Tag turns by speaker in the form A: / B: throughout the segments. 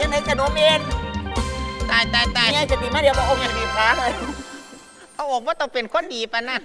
A: งไหนขนมเอ็น
B: ตาย
A: เนี่ยจะตีมาเดียวพระองค์จะตีพระเลย
B: พระองค์ว่าต้องเป็นคนดีปะนั่น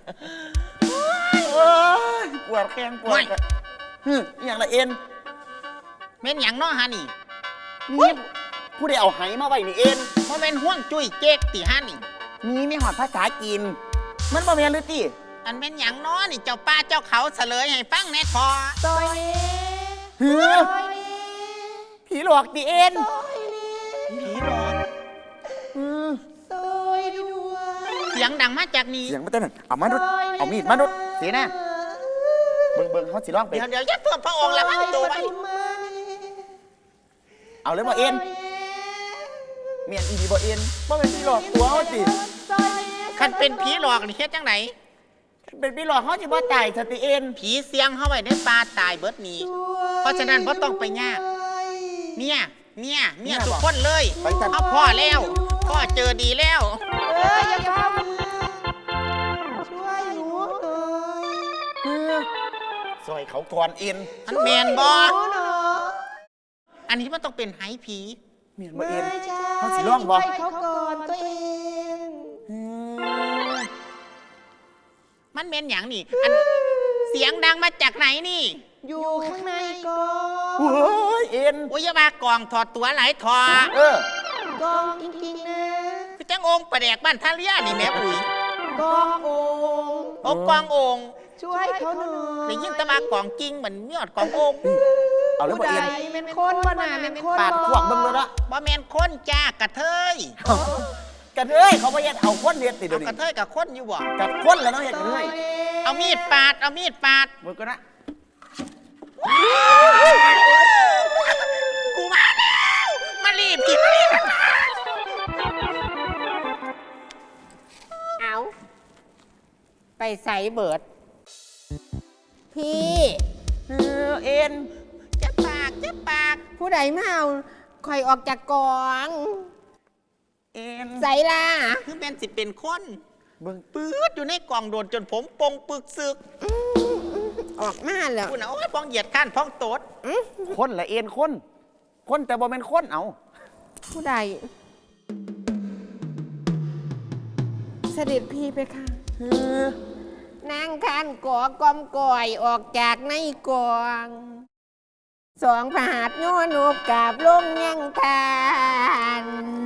A: ปวดแข้งปวดอย่างละเอ็น
B: เม่นอย่างน้อฮะนี่
A: นี่ผู้ใดเอาไหมาไว้นี่เอ็น
B: เพราะเป็นห่วงจุ้ยเจ๊กตีฮะนี่
A: มีไม่หอดภาษาจีนมันบ่แม่นหรือติ
B: อันเป็นอย่างน้อนี่เจ้าป้าเจ้าเขาเฉลยให้ฟังแน่ทอ
C: ซอยนี้
A: เฮ้อผีหลอกติเอ็น
B: ผีหลอก
C: ซอยด้วย
B: เสียงดังมาจากนี้
A: เสียงมาแต่นั่นเอามาดุเอามีดมาดุเสียนะเบิ่งเขาสิร้องไป
B: เดี๋ยวยัดเพื่อพระองค์ละพันตัวไว้
A: เอาเลยบ่เอ็นเมียนอีดีบ่เอ็นบ่เป็นผีหลอกตัวเขาติ
B: คันเป็นผีหลอกนี่เฮ็ดจังไหน
A: เป็นผีหลอกเขาสิบ่ตายสติเอ็น
B: ผีเสียงเข้าไว้ในป่าตายเบิดนี้เพราะฉะนั้นบ่ต้องไปยากเนี่ยทุกคนเลยเอาพ่อแล้วพ่อเจอดีแล้ว
C: อย่าพาช่วยหนูหน่อย
A: ซอยเขาก่อนเอ็น
B: อันแมนบออันนี้มันต้องเป็นไหผี
A: เมียนบ่เอ็นเขาสิร้องบ่
C: เขาก่อนตัวเอง
B: มันแมนอย่างนี่อันเสียงดังมาจากไหนนี่
C: อยู่ข้างในกอง
A: โอ้ยเอ็น
B: โอ้ยมากองถอดตัวหลายถอด
C: กองจริงๆนะ
B: คือจังองค์ประแดกบ้านท่าเรียนี่แม่ปุ๋ย
C: กององค์
B: โอ้กององค์
C: ช่วยเขาหน่อย
B: ได้ยินตะมากองจริงเหมือนมีอดกององค์
A: เอาเลยบ่เอ็น
C: เป็นคนบ่น่ะเป็นคน
A: ปาดขวบเบิ่งเลยละ
B: บ่แมนคนจ้ากระเทย
A: กระเทยเขาบ่ยัดเอาคนเฮ็ดติเดี๋ยวนี้
B: กระเทยกับคนอยู่บ่
A: กับคนแล้วเนาะเฮ็ดกระเทย
B: เอามีดปาด
A: มึงก็นะ
B: กูมาแล้วมารีบเอาไปใส่เบิด
C: พี่
A: เอ็น
B: จะปาก
C: ผู้ใดมาเอาคอยออกจากกอง
A: เอ็น
C: ใส่ล่ะ
B: คือเป็นสิเป็นคนเบิ่งปื๊ดอยู่ในกล่องโดนจนผมปงปึกซึก
C: ออกมาแล้ว
B: คุณเอาไอ้พ้องเหยียดข้านพ้องโตด
A: คนละเอ็นคนแต่บ่เป็นคนเอา
C: ผู้ใดเสด็จพี่ไปค่ะนางคันก่อกอมก่อยออกจากในกองสองผาดย้อนกกาบลงยังทาน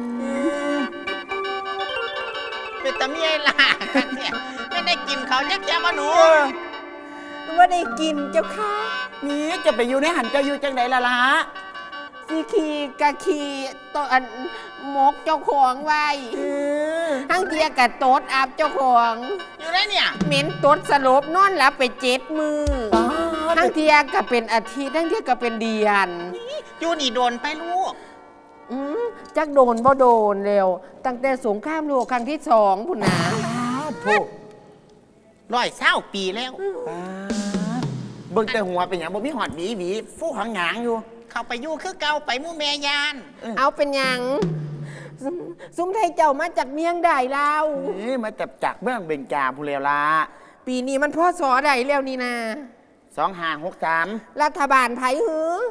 B: เป็นตะเมียล่ะเนี่ยไม่ได้กินเขาแจ๊กมาหนู
C: ว่าได้กินเจ้าค่ะ
A: นี่จะไปอยู่ในหันจะอยู่จังไหนล่ะ
C: สีขี่กะขี่ตัวมกเจ้าของไว้ทั้งเทียกะโต๊ดอาบเจ้าของ
B: อยู่ได้เนี่ย
C: เหม็นโต๊ดสลบนอนหลับไป7 มื้อทั้งเทียกะเป็นอาทิตย์ทั้งเทียกะเป็นเดือน
B: อยู่นี่โดนไปลูก
C: จักโดนบ่โดนเร็วตั้งแต่สงครามโลกครั้งที่2พุ่นนะ
A: ถูก
B: 120 ปีแล้ว
A: เบิ่งแต่หัวเป็นหยังบ่มีหอดหวีฟู้หางหางอยู่
B: เข้าไปอยู่คือเก่าไปมู่แม่ยาน
C: เอาเป็นหยังซุ้มไทยเจ้ามาจากเมียงใดแล้ว
A: นี่มาจากเมืองเบญจาพู้แล้วล่ะ
C: ปีนี้มันพ่อสอใดแล้วนี่นะ
A: 2563
C: รัฐบาลไผหือ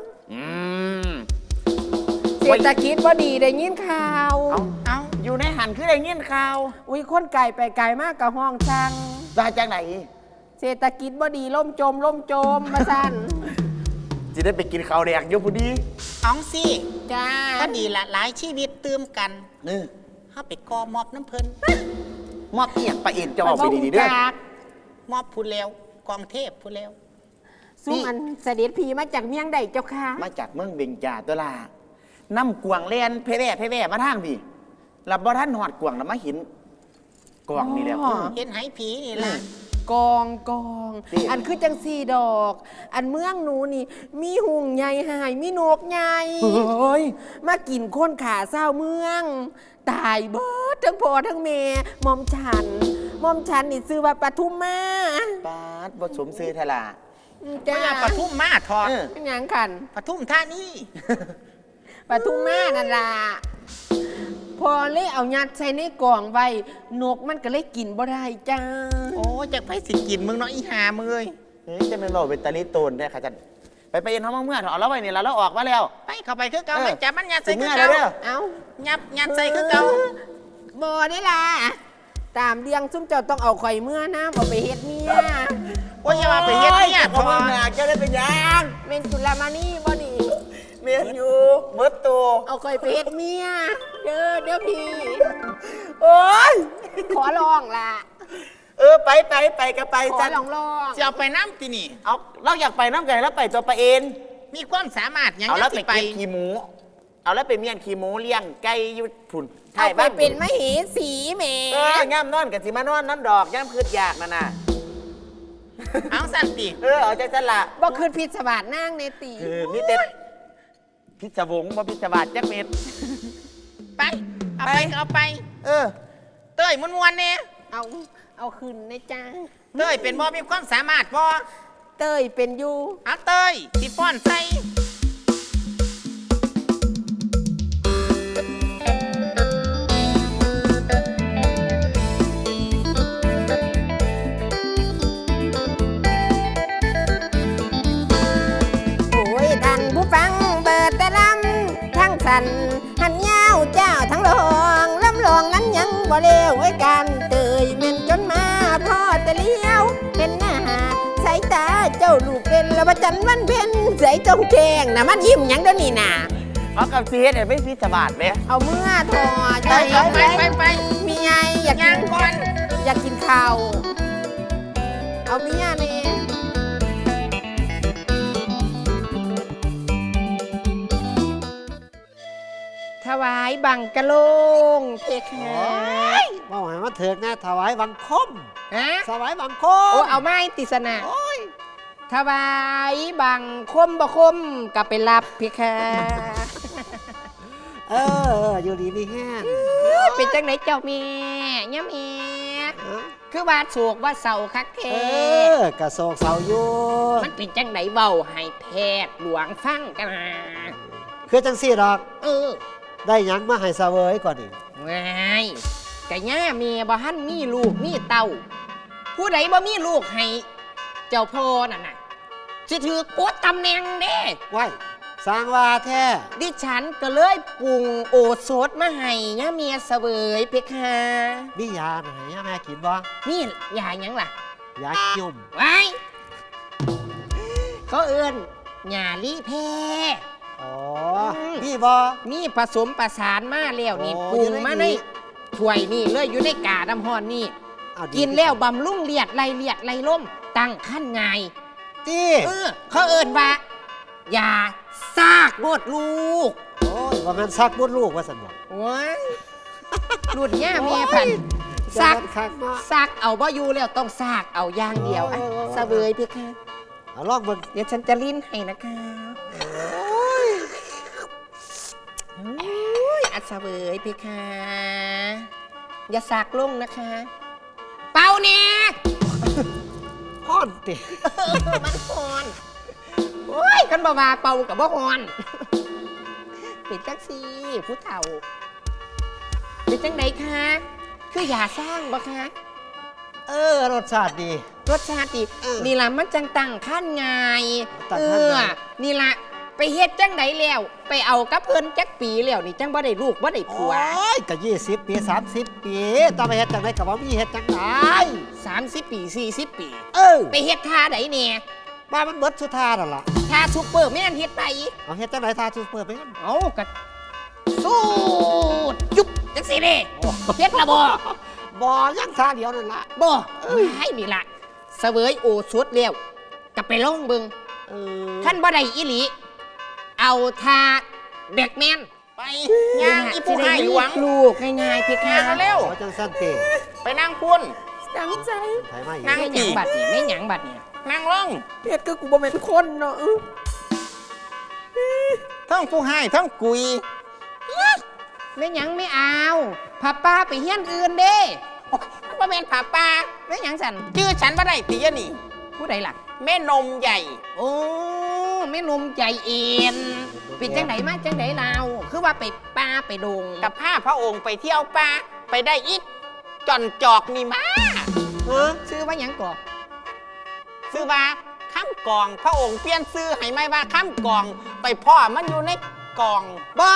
C: เศรษฐกิจบ่ดีได้ยินข่าว
A: เอาอยู่ในหันคือได้ยินข่าว
C: อุ้ยคนไก่ไปไก่มากกับห้องช่าง
A: มาจากไหน
C: เศรษฐกิจบ่ดีล่มโจมมาสั่น
A: จะได้ไปกินข้าวแดกอยู่พอดี
B: อ๋องสิ
C: จ้า
B: ก็ดีละหลายชีวิตตื่มกันเข้าไปกอมอบน้ำเพลิน
A: มอบเอียงไปเอ็นจะออกไปดีๆด้วย
B: มอบพูดแล้วกองเทพพูดแล้ว
C: สู้อันเสด็จผีมาจากเมียงใดเจ้าค่ะ
A: มาจากเมืองเบญจาตัวลาน้ำกวางเลียนเพแว่มาทางพี่หลับบ่ท่านหอดกวางแล้วมาหินกวางนี่แหละ
B: เห็นไหผีนี่แหละ
C: กองอันคือจัง4 ดอกอันเมืองหนูนี่มีหุงใหญ่หายมีนกใหญ่มากินคนขาเศร้าเมืองตายเบิดทั้งพ่อทั้งแม่มอมฉันนี่ซื้อว่าปทุมมา
A: ปาดบ่สมซื้อทล่ะ
B: จ้าปทุมมาทอด
C: เป็นหยังคัน
B: ปทุมท่านี่
C: ปทุมมานั่นล่ะพอเลยเอายัดใส่ในกล่องไว้นกมันก็เลยกินบ่ได้จ้า
B: โอ้จากไผสิกินมึงเนาะอีหามึงเอ้ย
A: จะเป็นโลเป็นตาลิโตนได้ค่ะจันไปเอ็นห้องเมื่อเอาแล้วไว้นี่แล้วออกมาแล้ว
B: ไปเข้าไปคือเก่า
A: เออ
B: มันจับมันยัดใส่
A: สิ
B: คือ
A: เมื่อ
B: เก่า
A: เด้อ
C: เอา
B: ยัดใส่คือเก่า
C: บ่ได้ล่ะตามเรียงซุ่มเจ้าต้องเอาข่อยเมื่อน้ำเอาไปเฮ็ดเมีย
B: โอ้ยอย่ามาไปเฮ็ดเนี่ย
A: พอมาหนักจะได้เป็นยัง
C: เมนจุลามานี่บ่นี่
A: เมียนอยู่เบิดตัว
C: เอาข่อยไปเฮ็ดเมียเด้อพี่
A: โอ้ย
C: ขอลองล่ะ
A: ไปก็ไป
C: ขอ
A: จัน
C: ลอง
B: จะเอาไปน้ำที่นี่
A: เอาเราอยากไปน้ำไก่แล้วไปตัวไปเอง
B: มีความสามารถหยัง
A: เอาแล้ว
B: สิ
A: ไปเก็บขี้หมู เอาแล้วไปเมียนขี้หมูเลี้ยงไก่อยุดผุน
C: เอาไปเป็นมเหสีแหม
A: ย่ำนอนกับสิมานอนนั่นดอกย่ำคืดอยากนั่นน่ะ
B: เอาสันติ
A: เอาใจจันละ
C: บ่คืนพิศวาสนางเนตี
A: มีเต็ดพิศวงบ่พิศวาสจักเม็ด
B: ไปเอาไปเอาไป
A: เออ
B: เต้ยมวนๆเนี่ย
C: เอาคืนนะจ้า
B: เต้ยเป็นบ่มีความสามารถบ่
C: เต้ยเป็นอยู่
B: เอาเต้ยสิฟ้อนใส่
C: โอ้ยท่านผู้ฟังเปิดแต่ลำทั้งสันหันยาวเจ้าทั้งลองลำลองนั้นยังบ่เลวไว้กันเตยเม่นจนมาพ่อแต่เลี้ยวเห็นหน้าสายตาเจ้าลูกเป็นละประจันวันเพ็ญใสจงแจงน่ะมันยิ้มหยังเดี๋ยวนี้น่ะ
A: เอากับเสียเนี่ยไม่พิศวาสไหม
C: เอาเมื่อทอ
B: ไปเอาไป
C: มีไงอยากกิ
B: ย่าง
C: น
B: ก่อน
C: อยากกินข้าวเอาเมียนี่ถวายบังกะโลงเพคะ
D: ว่าให้มาเถิดนะถวายบังคม
C: ฮะ
D: ถวายบังค
C: โอ้
D: ม
C: เอาไม้ติสนะถวายบังคมบ่คมกับไปรับเพคะ
D: เออ อยู่ดีมีแห้ง
C: เป็นจังไหนเจ้าแม่ย่ำเอคือว่าโศกว่าเศร้าคักเท
D: กระโศกเสาอยู่
C: มันเป็นจังไหนเบาให้แพทย์หลวงฟังกันนะ
D: คือจังสี่ดอก
C: เออ
D: ได้หยังมาให้เสวยก่อนนี่
C: ง่ายกะย่าเมียบ่หันมีลูกมีเต้า ผู้ใดบ่มีลูกให้เจ้าพ่อนั่นน่ะสิถือกดตำแหน่งเด้
D: ไว้สร้างว่าแท้
C: ดิฉันก็เลยปรุงโอสถมาให้ย่าเมียเสวยเพคะ
D: มียาไหนแม่กินบ่
C: นี่ยาหยังล่ะ
D: ยายุ่ม
C: ไว้เขาเอิ้นหญ้าลี่แพ
D: อ๋อ
C: ม
D: มีบ่
C: นี่ผสมประสานมาแล้วนี่
D: โอ้
C: ปรุง
D: อยู่ใน
C: มา
D: นี้
C: ในถ้วยนี่เลยอยู่ในกาดำฮอนนี่
D: เอาดี
C: กินแล้วบำรุงเลียดไรล่มตั้งขั้นไง
D: ตี
C: เขาเอิ้นว่าอย่าซากบดลูก
D: โอ้ยว่ามันซักบุญลูกว่าสันบ่
C: โอ้ยรุ่นย่าเมียพันซัก
D: จะมันคักเนาะ
C: ซักเอาบ่อยู่แล้วต้องซากเอาอย่างเดียวอ่ะ
D: โอ้ย
C: เสวยพี่ค่ะ
D: เอาลองเบิ่ง
C: เดี๋ยวฉันจะลิ้นให้นะคะโอ้ยอัศเวยพี่ค่ะอย่าซากลงนะคะ เป่าเนี่ย
D: ฮ้อนติ
C: มันฮอนโอ้ยกันบ่มาเป่ากับบ่ฮอนปิดจักซี่ผู้เฒ่าเป็นจังไดคะคืออย่าสร้างบ่คะ
D: รสชาติดี
C: รสชาติดี
D: เออ
C: นี่ล่ะมันจังตั้งขั้นไง
D: ตั้งขั้นไง
C: นี่ล่ะไปเฮ็ดจังไดแล้ว ไปเอากับเพิ่นจักปีแล้วนี่จังบ่ได้ลูกบ่ได้ผัว
D: โอ้ยก็20 ปี 30 ปีต้องไปเฮ็ดจังไดก็บ่มีเฮ็ดจังได
C: 30 ปี40 ปี ไปเฮ็ดท่าใดแน่
D: บ้านมันเบิดสุดท่านั่นล่ะ
C: ท่าซุปเปอร์แม่นเฮ็ดไป
D: เอาเฮ็ดจังไดท่าซูเปอร์แมน
C: เอากะสู้จุ๊บจังสิเด้เฮ็ดละบ่
D: บ่ยังท่าเดียวนั่นล่ะ
C: บ่ให้นี่ล่ะเสวยโอสถแล้วก็ไปลองเบิ่ง
D: เออ
C: ท่านบ่ได้อีหลี เอาทาเด็กแมน
B: ไปย่างอีผู้ให้หลวง
C: ลูกง่ายๆเพคะ
B: ย่างเร็ว
D: เอาจังสั้นเตะ
B: ไปนั่งคุณ
C: ตั้งใจ
D: ไทยมาอีก
B: นั่ง
C: ไม่หยังบัดนี่ไม่หยังบัดนี่
B: นั่งลง
C: เพชรก็กูบ่เป็นคนเนาะ
B: ทั้งผู้ให้ทั้งกุย
C: ไม่หยังไม่เอาพาป้าไปเฮียนอื่นเด้
B: มันบ่แม่นผาป่า
C: ไม่หยังสัน
B: ชื่อฉันบ่ได้ติยะนี่
C: ผู้ใดล่ะ
B: แม่นมใหญ่
C: โอ้แม่นมใจเอ็นเป็นจังไดมาจังไดเราคือว่าไปป้าไปดง
B: กับผ้าพระองค์ไปเที่ยวป่าไปได้อีกจอนจอกนี่มา
D: ฮะ
C: ชื่อว่าหยังก่อ
B: ซื้อว่าคข้ามกองพระองค์เปลี่ยนซื้อให้ไม่ว่าข้ามกองไปพ่อมันอยู่ในกอง
C: บ่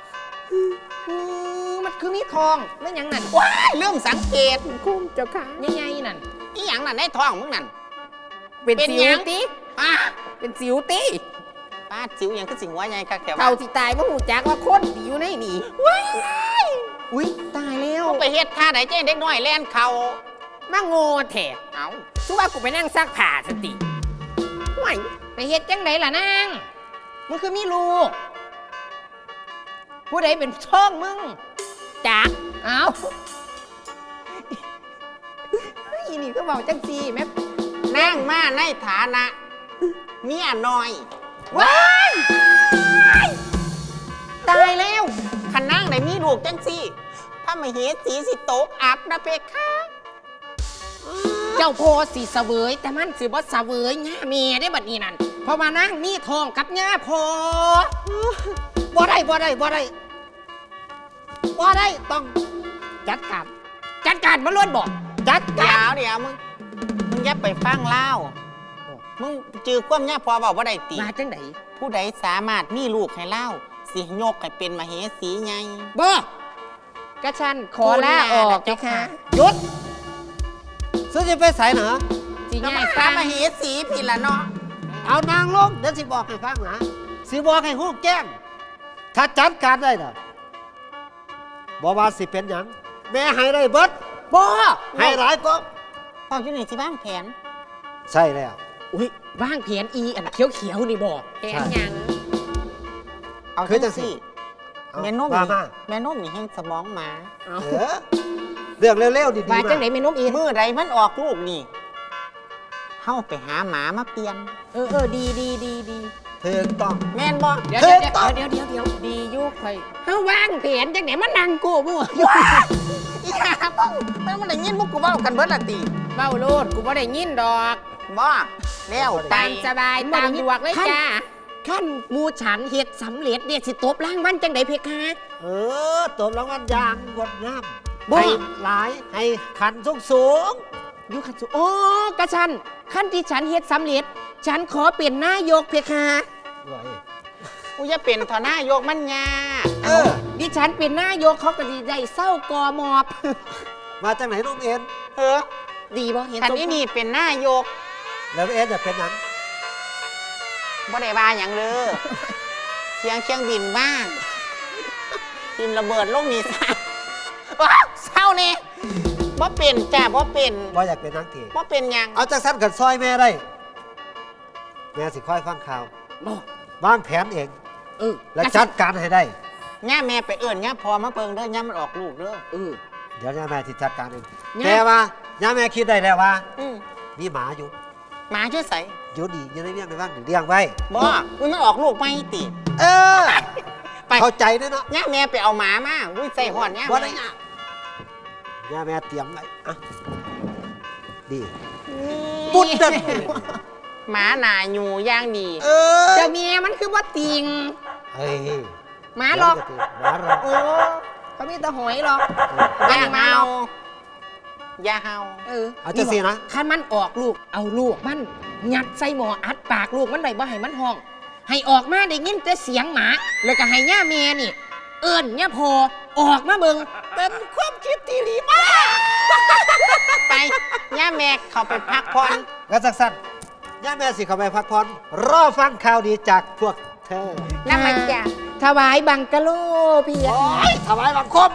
C: มันคือมีทองไม่หยังนั่น
B: ว้ายเรื่องสังเกต
C: คุ้มเจ้าค่ะใหญ่ๆนั่น
B: อีหยังน่ะในท้องมึงนั่น
C: เป็น
B: เป็น
C: สิ
B: หยั
C: ว
B: ง
C: ติ
B: อ่ะ
C: เป็นสิวติ
B: ป้าจิ๋วหยังคือสิงหัวใหญ่คักแถว
C: เท่าที่ตายบ่หูจักว่าคนที่อยู่ในนี่
B: ว้าย
C: อุ้ยตายแล้ว
B: มึงไปเฮ็ดท่าไหนเจ้เด็กน้อยแล่นเขา
C: มาโง่แท้
B: เอา
C: สุว่ากูไปนั่งซักผ้าสติห่วยไปเฮ็ดจังไดล่ะนางมึงคือมีลูก ผู้ใดเป็นช่องมึงจักเอาอีนี่ก็บอกจังซีแม่
B: นั่งมาในฐานะเมียน้อย
C: ว้ายตายแล้ว
B: ขันนั่งไหนมีลูกจังสิพระมเหสีสิโตกอับนะเพคะ
C: เจ้าโพสีเสวยแต่มันสิบ่เสวยง่าเมียได้บัดนี้นั่นเพราะว่านั่งมีทองกับง่าพอบ่ได้ต้องจัดการมาล้วนบอกจัดการ
B: เดี๋ยวมึงอย่าไปฟังเล่ามึงจือความย่าพอบอกว่าได้ตี
C: มาจังได
B: ผู้ใดสามารถมีลูกให้เล่าสิยกให้เป็นมเหสีไง
C: บ่กระชันขอลาออกเจ้าค่ะ
D: หยุดซึ่งจะไปใส่เหรอ
C: สิ
B: ก็
C: ง่าย
B: มา
C: ฟัง
B: มเหสีผิดละเนาะ
D: เอานางลงเดี๋ยวสิบอกให้ฟังนะสิบอกให้ฮู้แจ้งถ้าจัดการได้น่ะบอกว่าสิเป็นหยังแม่ให้ได้เบิด
C: บ่
D: ให้หลายก็
B: พ่ออยู่นี่สิบ้างแผน
D: ใช่แล้ว
C: อุ้ยว่างเพียนอีอันเขียวๆนี่บ่แผนหยัง
B: เอา
D: คือจั
B: จั
D: ง
B: ง
D: สิ
B: สิ
D: เอา
B: แม่นุ่ม
D: ว่ามา
B: แม่นุ่มนี่แห้งสมองหมา
C: เอา
D: เออเรื่องเร็วๆดีๆ
C: ว่าจัง
D: มา
C: ไหนแม่นมอี
B: เมื่อใดมันออกลูกนี่เข้าไปหาหมามาเปลี่ยน
C: ดี
D: ถูกต้อง
B: แม่นบ่
C: เดี๋ยวดียุคไปเฮาว่างเพียนจังไหนมันนั่งกูบ่
B: อีหามึงมันได้ยินมุกกูเว้ากันเบิดละติ
C: เบ้าโลดกูบ่ได้ยินดอก
B: บ่แล้วไป
C: ตามสบายตามดวกเลยจ้าขั้นหมูฉันเฮ็ดสำเร็จเนี่ยสิตบรางวัลจังไดเพคะ
D: ตบรางวัลยางงดงาม
C: บ่
D: ให้หลายให้ขันสูง
C: อยู่ขันสุโอ้กระชันขั้นที่ฉันเฮ็ดสำเร็จ ฉันขอเปลี่ยนนายกเพคะ
D: ๆไว้
B: กูจะเป็นทนายกมันยาก
C: ดิฉันเป็นนายกเขาก็ดีใจเศร้ากอมอบ
D: มาจากไหนน้องเอ็น
C: ดีบ่เห็น
B: คัน
C: สม
B: นี้นี่เป็นนายก
D: แล้วเอ็นจะเป็นหยัง
B: บ่ได้ว่าหยังเลยเสียงเครื่องบินบ้างบินระเบิดลงนี่ซะว้าวเศร้านี่บ่เป็นจ้าบ่เป็น
D: บ่อยากเป็นนักเทศ
B: บ่เป็นหยัง
D: เอาจากสั้นกันซอยแม่ได้ แม่สิค่อยฟังข่าว
C: บ่
D: วางแผนเอง และ
C: กระ
D: จั
C: ชั
D: ดการให้ได้
B: ย่าแม่ไปเอิ้นย่าพอมาเปิงเด้อย่ามันออกลูกเด้อ
D: เดี๋ยวย่าแม่ที่จัดการเอง
C: ย่า
D: แต่ว่าย่าแม่คิดได้แล้วว่า
B: อืม
D: มีหมาอยู่
B: หมาช่วยใส่
D: อยู่ดีอยู่ในเลี้ยงในบ้านเลี้ยงไว้
B: บ่อุ้ยมันออกลูกไม่ติ
D: เออ
B: ไป
D: เข้าใจด้วยเนาะ
B: ย่าแม่ไปเอาหมามาอุ้ยใส่หอนย่า
D: ว่า
B: แม่
D: ได้ย่าแม่เตรียมไว้อ่ะดีปุ๊ดเดิน
B: หมาหนาอยู่ย่างดี
D: เออ
C: เจ้าเมียมันคือว่าติง
D: เฮ้ย
C: หมาหรอก
D: หมาหรอก
C: โอ้เขามีแต่หอยหรอก
B: อย่าเฮาอย่าเฮา
D: เอาจะสินะ
C: คันมันออกลูกเอาลูกมันยัดใส่หม้ออัดปากลูกมันได้บ่ให้มันห้อง ให้ออกมาได้ยินแต่เสียงหมาแล้วก็ให้ย่าเมียนี่ เอิ้นย่าพอออกมาเบิ่งเป็นความคิดที่ดีมาก
B: ไปย่าแม่เขาไปพักผ่อน
D: แล้วสักสั้นย่าแม่สิเข้าไปพักผ่อนรอฟังข่าวดีจากพวกเธอ
B: นั่นมันจะ
C: ถวายบังกะโลพี่
D: โอ้ยถวายบังคม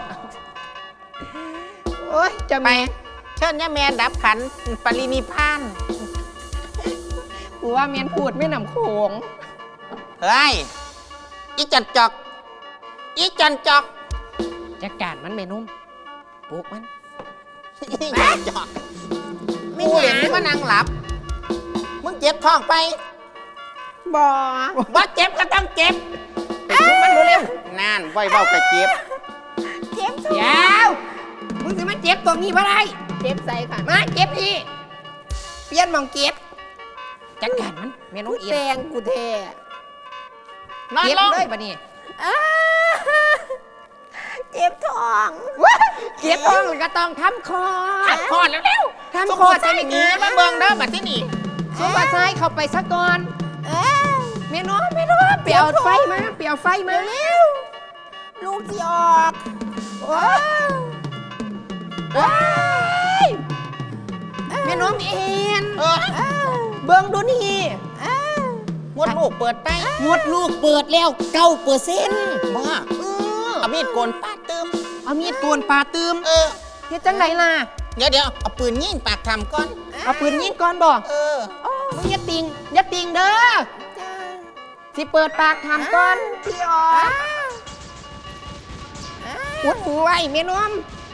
C: โอ้ยจะ
B: ไป
C: มี
B: เชิญย่าแม่ดับขันปรินิพพาน
C: กูว่าเมียนพูดไม่นำโขง
B: เฮ้ยอีจันจอกอีจันจอก
C: จัดการมันแม่นุ่มปลุกมัน
B: อีจันจอก
C: ไม่
B: กู
C: ห
B: เห็น
C: ยัง
B: มึงมานั่งหลับ มึงเจ็บท้องไป
C: บ่
B: ว่าเจ็บก็ต้องเจ็บไปทุบมันเร็วๆนั่นไว้เบากระเจ็บ
C: เจ็บเดี๋ยวมึงจะมาเจ็บตรงนี้บ่ได้เจ็บใส่ค่ะมาเจ็บพี่เปลี่ยนหมองเจ็บจัดการมันแม่นุ่มเอียนแตงกูแท้
B: นอน
C: เจ็บ
B: ลง
C: เลยปะนี่
E: เจ็บท้อง
C: เจ็บท้องเลยก็ต้องทำคอ
B: ขับคอเร็วๆ
C: ทำคอจะไม่
B: หนีมาเบิ่งเด้อบัดที่นี่
C: ซุปเปอร์ไซค์เข้าไปซะก่อนแม่น้องไปเอาไฟมาเร็วลูกสิออกว้ายแม่น้องเอ็นเบิ่งดูนี่
B: งดลูกเปิดไป
C: งดลูกเปิดแล้ว9%
B: บ้าเอามีดโกนปาดตึม
C: เอามีดโกนปลาตืม
B: เออ
C: เฮ็ดจังไดล่ะ
B: เดี๋ยวเอาปืนยิงปากทำก่อน
C: เอาปืนยิงก่อนบ่
B: เออ
C: มึงอย่าติงเด้อสิเปิดปากทำก่อนพี่ออกอุดหูไว้แม่นม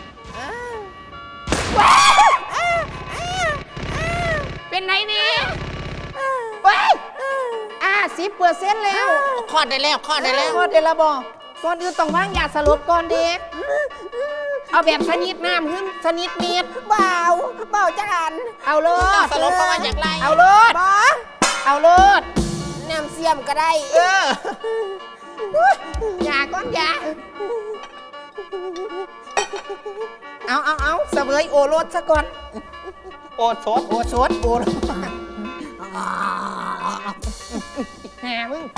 C: เป็นไหนนี่ว้าย10%แล้ว
B: คลอดได้แล้ว
C: พอเดละบ่ก่อนอื่นต้องวางยาสลบก่อนเด็กเอาแบบชนิดน้ำหึ่งชนิดเม็ดเบาจังเอาเลย
B: สลบเพราะว่าอยากไล่
C: เอาเลยเอาเลยน้ำเสียมก็ได้
B: เออ
C: ยาก้อนยาเอาเสวยโอรสซะก่อน
B: โอโซด
C: โอรสแหมมึง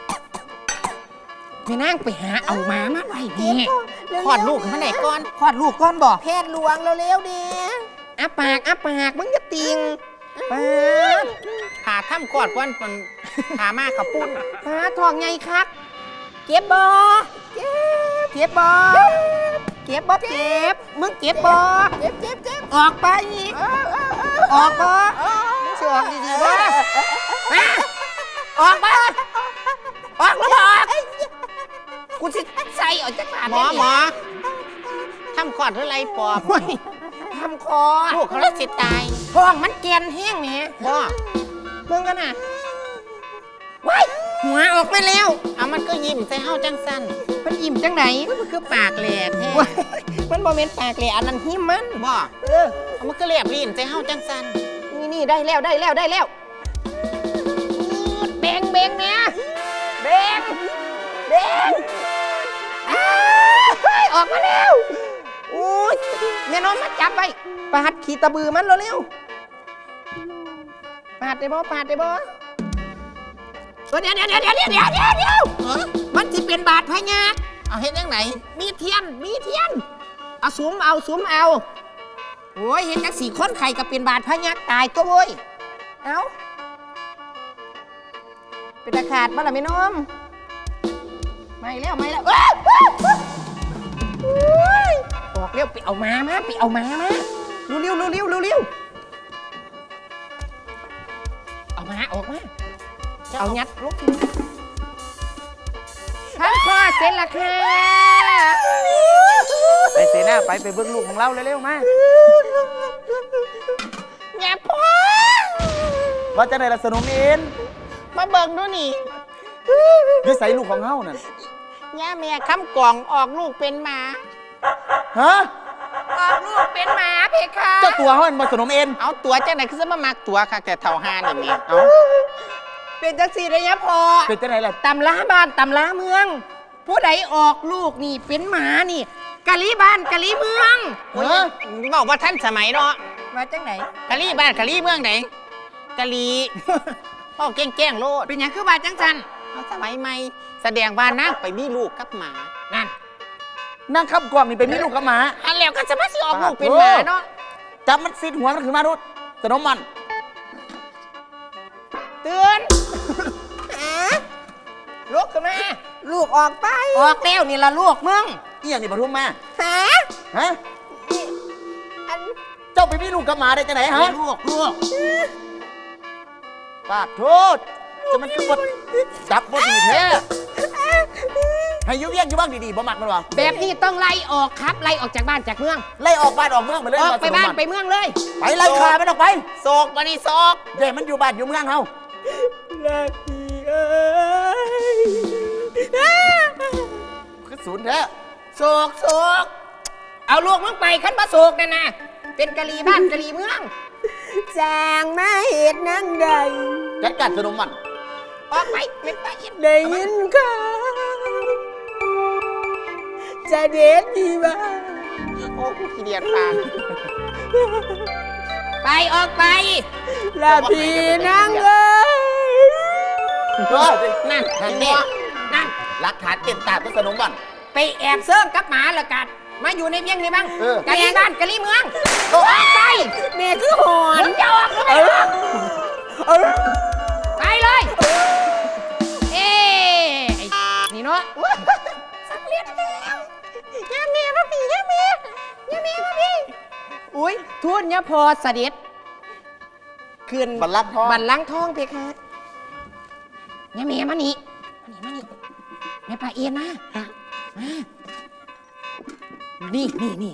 C: ไปนั่งไปหาเอาหมามาไว้นี่
B: คลอดลูกมาไหนก่อน
C: คลอดลูกก่อนบ่แพทย์หลวงเร็วๆดิอ้าปากมึงจะติงปาด
B: หาถ้ำคลอดก่อนมันหามาขับปุ้น
C: ปาดทองไงคักเก็บบ่เก็บบ่มึงเก็บบ่ออกไปออกบ่เชื่อดีๆบ่มาออกบ่ออกแล้วบ่ออกกูสิใส่ออกจากปาก
B: หมอถ้ำคลอดหรือไรปอบ
C: ทำคอ
B: ลูกเขาเลยสิตาย
C: ท้องมันแกนแห้งเนี่ย
B: บ่
C: มึงกันน่ะว้ายหัวออกมาแล้ว
B: เอามันก็ยิ้มใส่เฮาจังสั้น
C: มันอิ่มจังไหน
B: มันคือปากแหลกแท้
C: ว้ายมันบ่แม่นปากเลยอันนั้นหิมมัน
B: บ่เอามันก็เรียบลิ้นใส่เฮาจังสั้น
C: นี่ได้แล้วแบงเนี่ยแบงออกมาแล้วโอ้ยแม่น้องมาจับไปปาดขี่ตะบือมันเร็วปาดได้บ่เดี๋ยวมันสิเป็นบาดพญา
B: เอาเฮ็ดยังไหน
C: มีเทียนเอาสุมเอาโอ้ยเห็นจัก4คนไข่ก็เป็นบาดพญาตายตัวโว้ยเอาเป็นตะขาดบ้าล่ะแม่น้องไม่แล้วออกเร็วไปเอามาเร็วเอามาออกมาเอายัดลูกท่านพ่อเสร็จแล้วค่ะ
A: ไปเสนาไปเบิ่งลูกของเราเร็วๆมา
B: แง่พ่อ
A: ว่าจะไหนล่ะสนมเอ็น
B: มาเบิ่งดูนี่
A: อยู่ใส่ลูกของเฮานั่น
B: แง่แม่คำกล่องออกลูกเป็นหมา
A: ฮะ
C: ออกลูกเป็นหมาเพคะ
A: เจ้าตัวเฮามันบ่สนมเอ็น
B: เอาตัวจังไหนคือจะมามักตัวค่ะแต่เท่าห้านี่แม่
A: เอ้า
C: เป็นจังสีระยะพอ
A: เป็นจังไหนล่ะ
C: ตำล้าบ้านตำล้าเมือง ผู้ใดออกลูกนี่เป็นหมานี่กะลีบ้านกะลีเมือง
B: โอ้ยบอกว่าท่านสมัยเนาะ
C: มาจังไหน
B: กะลีบ้านกะลีเมืองไหนกะลีพ่อแกล้งโลด
C: เป็นหยังคือบ้านจังสัน
B: เอาสมัยใหม่แสดงว่านางไปมีลูกกับหมา
C: นั่น
A: นั่งขับกล่องนี่เป็นมีลูกกับหมา
B: อันแล้วก็จะมาสิออกลูกเป็นหมาเนาะ
A: จับมันซิดหัวมันขึ้นมาดูสนมมัน
C: เตือนลูกขึ้นมาลูกออกไปออกแล้วนี่ละลูกมึง
A: เอี่ยงนี่ปทุมมา
C: ฮะ
A: ฮะ
C: อัน
A: เจ้าไปมีลูกกับหมาได้จังไหนฮะ
C: ลูก
A: ปากโทษจะมันคือบดจับบดดีแท้ให้อยุ่เยี่ยงอยู่บ้างดีๆบ่มักมันวะ
C: แบบนี้ต้องไล่ออกครับไล่ออกจากบ้านจากเมือง
A: ไล่ออกบ้านออกเมืองไปเลย
C: ออกไปบ้านไป
A: ไป
C: เมืองเลย
A: ไปไล่ขามันออกไป
B: โศกบันนี้โศก
A: เดี๋ยวมันอยู่บ้านอยู่เมืองเฮา
C: ลักพี่เอ้ย
A: คือศูนย์แท้
C: โศกเอาลูกมึงไปขันมาโศกนั่นนะเป็นกะลีบ้านกะลีเมืองจางมาเหตุนั่งใด
A: จัดการสนมมัน
C: ออกไปไม่ไปได้ยินข่าวจะเด็ดดีบ้าง
B: โอ้กูขี้เดียดปาก
C: ไปออกไปแล้วพี่นั่งเอ้ย
B: นั่น
A: นั่น
B: นี่
A: นี่
B: นั่น
A: หลักฐานเต็มตาตัวสนมบ่อน
C: ไปแอบเซิร์งกับหมาละกันมาอยู่ในเพียงนี่บ้าง
A: เออ
C: กะลีบ้านกะลีเมืองออกไปแม่คือหอน
B: จะออกหรือไม่ออก
C: ไปเลยเอ้ไอ้นี่เนาะสำเร็จแล้วย่าเมียมาพี่ย่าเมียมาพี่อุ้ยทุนเนี่ยพอเสด็จขึ้น
A: บัลลังก์ทอง
C: บัลลังก์ทองเพคะย่าเมียมานี่แม่ป่าเอียนมานี่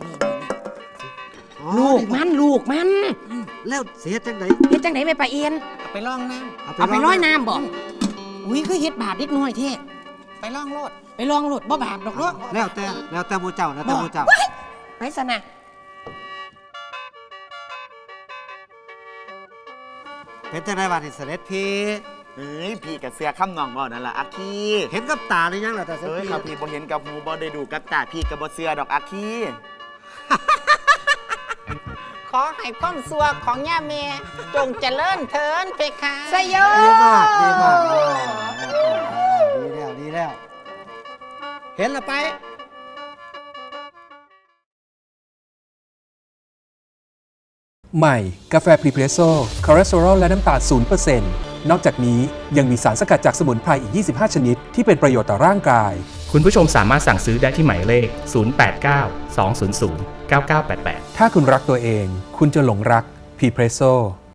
C: ลูกมัน
D: แล้วเสียจังไหน
C: เฮ็ดจังไหนแม่ป่าเอียน
B: เอาไปล่องน้
C: เอาไปร้อยน้ำบอกอุ้ยคือเฮ็ดบาปนิดหน่อยเท่
B: ำไปล่องโลด
C: ไปลองโหลดบ่บาปดอกเนาะ
D: แล้วแต่หมูเจ้าแล้วแต่หมูเจ้า
C: ไปสนะ
D: เป็นจังไดบ้านที่เสด็จพี่
A: เอ้ยพี่กับเสือข้ามนองบ่นั่นล่ะอาคี
D: เห็นกับตาหรือยังล่ะแต่เสด็จ
A: เอ้ย
D: พี่
A: ครับพี่บ่เห็นกับหูบ่ได้ดูกับตาพี่กับบ่เสือดอกอาคี
B: ขอให้ความสัวของย่าเมจงเจริญเทินเพคะ
C: สยโย
D: ดีมากดีแล้วเห็นละไป
E: ใหม่ กาแฟพรีเพรสโซ่คอเลสเตอรอลและน้ำตาล 0% นอกจากนี้ยังมีสารสกัดจากสมุนไพรอีก 25 ชนิด ที่เป็นประโยชน์ต่อร่างกาย
F: คุณผู้ชมสามารถสั่งซื้อได้ที่หมายเลข 089 200 9988
E: ถ้าคุณรักตัวเอง คุณจะหลงรักพรีเพรสโซ่